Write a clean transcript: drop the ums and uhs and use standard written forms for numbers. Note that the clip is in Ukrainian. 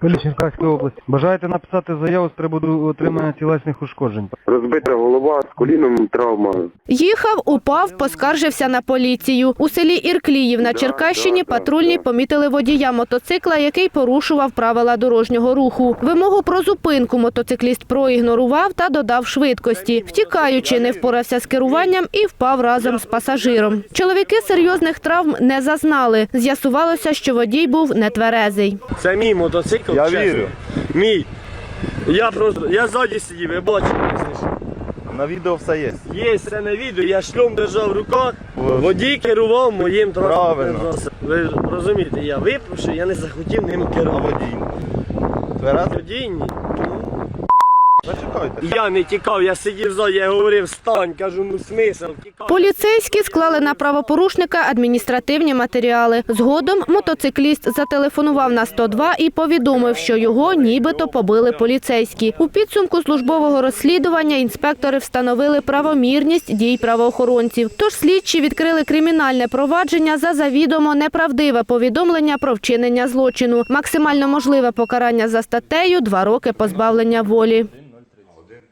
Поліція Черкаської області. Бажаєте написати заяву з приводу отримання тілесних ушкоджень? Розбита голова, з коліном травма. Їхав, упав, поскаржився на поліцію. У селі Іркліїв на Черкащині патрульні помітили водія мотоцикла, який порушував правила дорожнього руху. Вимогу про зупинку мотоцикліст проігнорував та додав швидкості. Втікаючи, не впорався з керуванням і впав разом з пасажиром. Чоловіки серйозних травм не зазнали. З'ясувалося, що водій був нетверезий. Це мій мотоцикл, Я чесно. вірю. Мій. Я ззаді сидів, ви бачите, якщо що. На відео все є. Є це на відео, я шльом держав в руках, водій керував моїм транспортним Правильно. засобом. Ви розумієте, я випивши, я не захотів ним А керувати. водій? Тверезий? Водій ні. Зачекайте. Я не тікав, я сидів ззаді, я говорив, встань, кажу, ну смисл, тікав. Поліцейські склали на правопорушника адміністративні матеріали. Згодом мотоцикліст зателефонував на 102 і повідомив, що його нібито побили поліцейські. У підсумку службового розслідування інспектори встановили правомірність дій правоохоронців. Тож слідчі відкрили кримінальне провадження за завідомо неправдиве повідомлення про вчинення злочину. Максимально можливе покарання за статтею – 2 роки позбавлення волі.